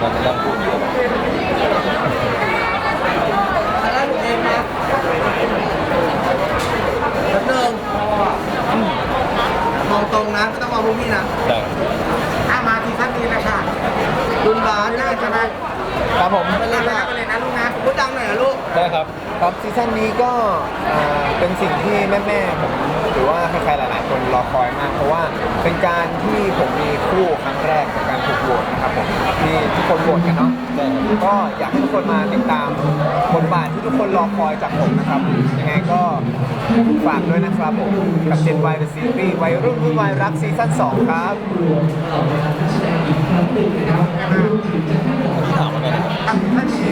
มันจะต้องพูดเยอะแล้วหนูเองนะแล้วหนึ่งมองตรงนะไม่ต้องมองพวกพี่นะแต่ถ้ามาทีท่านนี้นะคะรุ่นบาสได้ใช่ไหมครับผมไปเลยนะไปเลยนะลูกนะพูดดังหน่อยนะลูกได้ครับครับซีซั่นนี้ก็เป็นสิ่งที่แม่ๆผมหรือว่าใครๆหลายๆคนรอคอยมากเพราะว่าเป็นการที่ผมมีคู่ครั้งแรกกับการถูกโหวตนะครับผมที่ทุกคนโหวตกันเนาะก็อยากให้ทุกคนมาติดตามบทบาทที่ทุกคนรอคอยจากผมนะครับยังไงก็ฝากด้วยนะครับผมกับ Gen Y The Series วัยรุ่นรุ่นวัยรักซีซั่น2ครับถามมาไงนะครับท่านนี้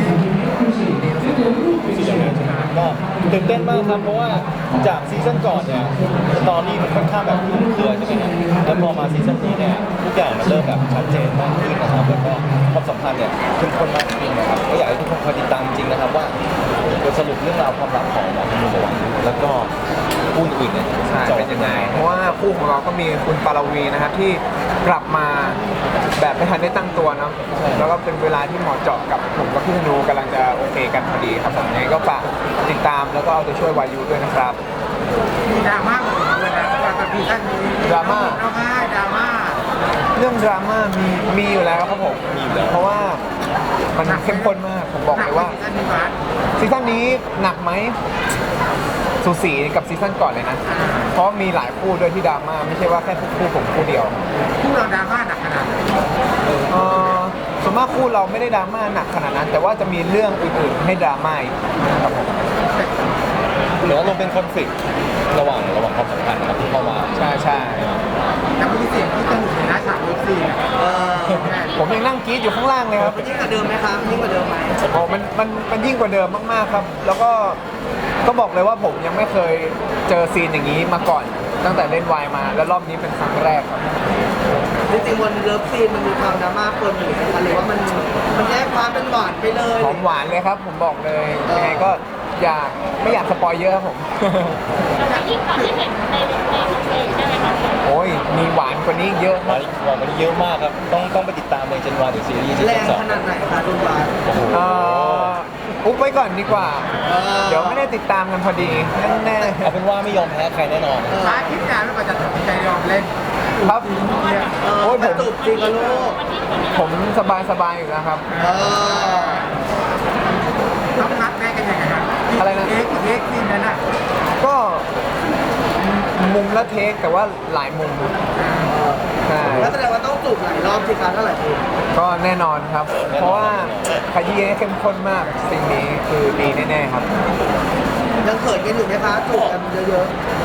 ก็ตื่นเต้นมากครับเพราะว่าจากซีซั่นก่อนเนี่ยตอนนี้มันค่อนข้างแบบคลุมเครือใช่ไหมครับแล้วพอมาซีซั่นนี้เนี่ยทุกอย่างมันเริ่มแบบชัดเจนมากขึ้นนะครับแล้วก็ความสัมพันธ์เนี่ยเข้มข้นมากขึ้นนะครับก็อยากให้ทุกคนคอยติดตามจริงนะครับว่าบทสรุปเรื่องราวความรักของหมอคุณหมอแล้วก็คู่อื่นเนี่ยใช่เป็นยังไง เพราะว่าคู่ของเราก็มีคุณปารวีนะครับที่กลับมาแบบไม่ทันได้ตั้งตัวเนาะแล้วก็เป็นเวลาที่เหมาะเจาะกับผมกับพี่ธนูกำลังจะโอเคกันพอดีครับผมยังไงก็ฝากติดตามแล้วก็เอาใจช่วยวายุด้วยนะครับมีดราม่าเหมือนกันนะกับทีท่านนี้ร้องไห้ดราม่าเรื่องดราม่ามีอยู่แล้วครับผมเพราะว่ามันเข้มข้นมากผมบอกเลยว่าท่านนี้มาซีซั่นนี้หนักไหมสูสีกับซีซั่นก่อนเลยนะเพราะมีหลายคู่ด้วยที่ดราม่าไม่ใช่ว่าแค่คู่ผมคู่เดียวคู่เราดราม่าหนักขนาดไหนส่วนมากคู่เราไม่ได้ดราม่าหนักขนาดนั้น แต่ว่าจะมีเรื่องอื่นๆให้ดราม่าอีกครับผมหรือว่าลงเป็นคอนฟ lict ระหว่างความสัมพันธ์นะครับที่เข้ามาใช่ใช่แต่มีเสียงที่สนุกในนะฉากเลิฟซีนเออผมยังนั่งกรี๊ดอยู่ข้างล่างเลยครับยิ่งกว่าเดิมไหมครับยิ่งกว่าเดิมไหมโอ้มันยิ่งกว่าเดิมมากๆครับ แล้วก็บอกเลยว่าผมยังไม่เคยเจอซีนอย่างนี้มาก่อน ตั้งแต่เล่นวายมา แล้วรอบนี้เป็นครั้งแรกครับจริงๆบนเลิฟซีนมันมีความดราม่าปนอยู่นะคะหรือว่ามันแยกความเป็นหวานไปเลยหอมหวานเลยครับ ผมบอกเลยยังไงก็ไม่อยากสปอยเยอะครับผมยิ่งกว่าที่เห็นในเพจใช่ไหมคะโอ้ยมีหวานกว่านี้เยอะวันนี้เยอะมากครับต้องไปติดตามใน Gen Y The Series ซีแรซั่นงสองขนาดไหนคะรุ่นบาสโอ้โหอุ๊บไว้ก่อนดีกว่า เดี๋ยวไม่ได้ติดตามกันพอดีแน่เอาเป็นว่าไม่ยอมแพ้ใครแน่นอนท้ายคิดงานแล้วก็จะตัดสินใจยอมเล่นๆครับ โอ้ยแต่จูบจริงกับลูกผมสบายอยู่แล้วครับเออต้องนัดแม่กันยังไงครับอะไรนะเอ็กซีนนั้นน่ะก็มุมละเทคแต่ว่าหลายมุมใช่แล้วแสดงว่าต้องจูบหลายรอบสิคะเท่าไหร่ทีก็แน่นอนครับ เพราะว่าขยี้ให้เข้มข้นมากสิ่งนี้คือดีแน่ๆครับยังเขินกันอยู่ไหมคะจูบกันเยอะ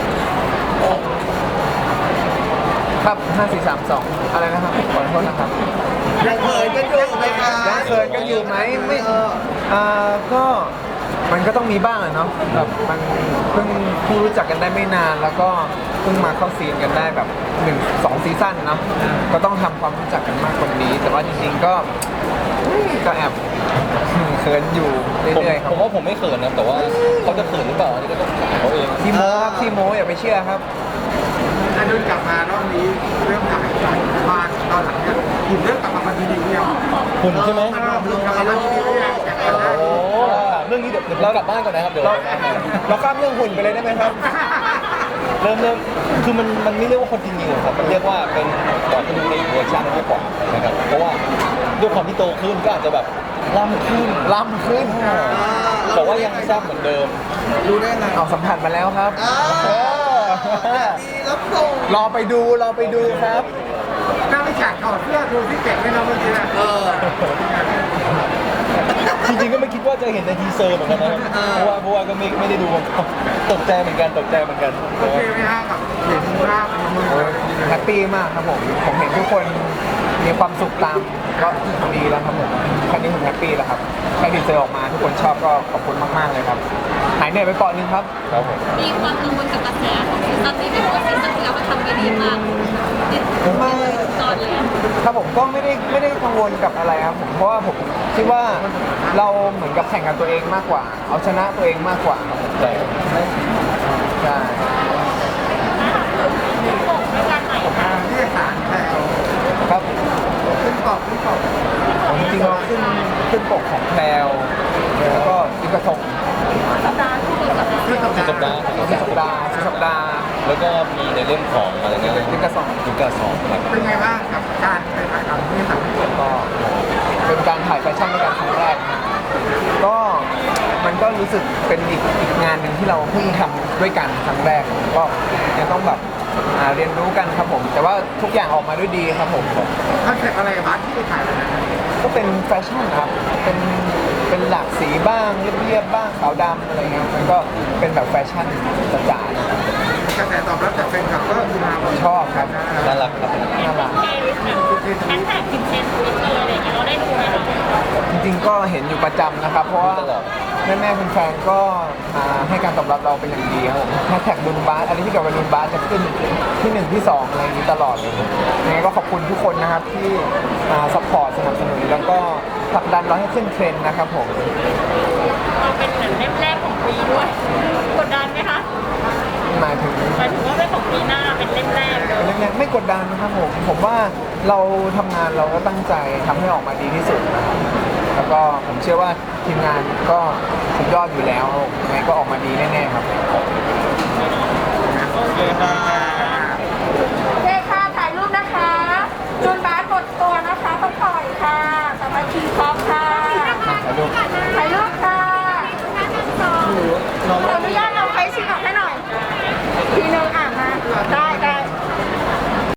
ครับ5 4 3 2อะไรนะครับขอโทษนะครับๆยังเขินกันอยู่ไหมคะยังเขินกันอยู่ไหมไม่เออก็มันก็ต้องมีบ้างอะเนาะแบบมันเพิ่งรู้จักกันได้ไม่นาน แล้วก็เพิ่งมาเข้าซีนกันได้แบบ1-2 ซีซั่นเนาะก็ต้องทำความรู้จักกันมากกว่านี้ แต่ว่าจริงๆก็แอบเขินอยู่เรื่อยๆครับผมว่าผมไม่เขินนะแต่ว่าเขาจะเขินหรือเปล่าอันนี้ก็ต้องถามเขาเองที่โม้ครับที่โม้อย่าไปเชื่อครับถ้าดุนกลับมารอบนี้เริ่มถ่ายมาตอนหลังเนี่ยหยิบเรื่องกลับมาดีๆเนี่ยคุณใช่ไหมรอบลงกลับมาดีๆเนี่ยจากนั้นได้โอ้เรื่องนี้เดี๋ยวเรากลับบ้านก่อนนะครับเดี๋ยวเราข้ามเรื่องหุ่นไปเลยได้ไหมครับเริ่มคือมันไม่เรียกว่าคนจริงๆครับมันเรียกว่าเป็นก่อนที่ดูในเวอร์ชันมากกว่านะครับเพราะว่าด้วยความที่โตขึ้นก็อาจจะแบบล่ำขึ้นล้ำขึ้นแต่ว่ายังแซ่บเหมือนเดิมรู้ได้ไงเอาสัมผัสมาแล้วครับดีรับส่งรอไปดูครับถ้าไม่ฉากถอดเสื้อดูที่เก่งไม่น้องเมื่อกี้นะเออจริงๆก็ไม่คิดว่าจะเห็นในทีเซอร์เหมือนกันนะครับเพราะว่าก็ไม่ได้ดูมาก่อนตกใจเหมือนกันโอเคไหมฮะกับเห็นภาพของมือแฮปปี้มากครับผมเห็นทุกคนมีความสุขตามก็ดีแล้วครับผมแค่นี้ผมแฮปปี้แล้วครับแค่ทีเซอร์ออกมาทุกคนชอบก็ขอบคุณมากๆเลยครับหายเหนื่อยไปเปาะนึงครับครับผมมีความกังวลกับกระแสของซีซั่นนี้ไหมเพราะว่าซีซั่นที่แล้วมันทำไปดีมากติดไม่ตอนเลยอะครับผมก็ไม่ได้กังวลกับอะไรครับผมเพราะว่าผมคิดว่าเราเหมือนกับแข่งกับตัวเองมากกว่า เอาชนะตัวเองมากกว่าครับผมใช่ใช่ที่สารแถวครับขึ้นกรอบผมจริงๆเราขึ้นปกของแพลวแล้วก็อีกกระทงสัปดาห์ที่ดีกับเรื่องสุดสัปดาห์สุดสัปดาห์แล้วก็มีในเรื่องของอะไรนะอีกกระสองยุกาสองครับเป็นไงบ้างกับการไปถ่ายทำที่ต่างประเทศก็เป็นการถ่ายแฟชั่นด้วยกันครั้งแรกนะก็มันก็รู้สึกเป็นอีกงานหนึ่งที่เราเพิ่งทำด้วยกันครั้งแรกก็ยังต้องแบบเรียนรู้กันครับผม แต่ว่าทุกอย่างออกมาด้วยดีครับผมคอนเซ็ปต์อะไรบ้างที่ไปถ่ายวันนั้นก็เป็นแฟชั่นครับเป็นหลากสีบ้างเรียบๆบ้างขาวดำอะไรเงี้ยมันก็เป็นแบบแฟชั่นจ๋าๆนะครับกระแสตอบรับจากแฟนคลับก็คือมาชอบครับน่ารักครับน่ารักแฮชแท็กถึงเชนทวิตเลยอะไรอย่างเงี้ยเราได้ดูไหมคะจริงๆก็เห็นอยู่ประจำนะครับ เพราะว่าแม่ๆแฟนๆก็ให้การตอบรับเราเป็นอย่างดีครับผมแฮชแท็กดุนบาสอะไรที่เกี่ยวกับดุนบาสจะขึ้นที่1ที่2อะไรอย่างนี้ตลอดเลยยังไงก็ขอบคุณทุกคนนะครับที่ซัพพอร์ตสนับสนุนแล้วก็ผลักดันเราให้ขึ้นเทรนด์นะครับผมเราเป็นเหมือนเล่มแรกของปีด้วยกดดันไหมคะหมายถึงหมายถึงว่าเป็นของปีหน้าเป็นเล่มแรกเลยเรื่องนี้ไม่กดดันนะครับผมว่าเราทำงานเราก็ตั้งใจทำให้ออกมาดีที่สุดนะครับแล้วก็ผมเชื่อว่าทีมงานก็สุดยอดอยู่แล้วยังไงก็ออกมาดีแน่ๆครับโอเคค่ะ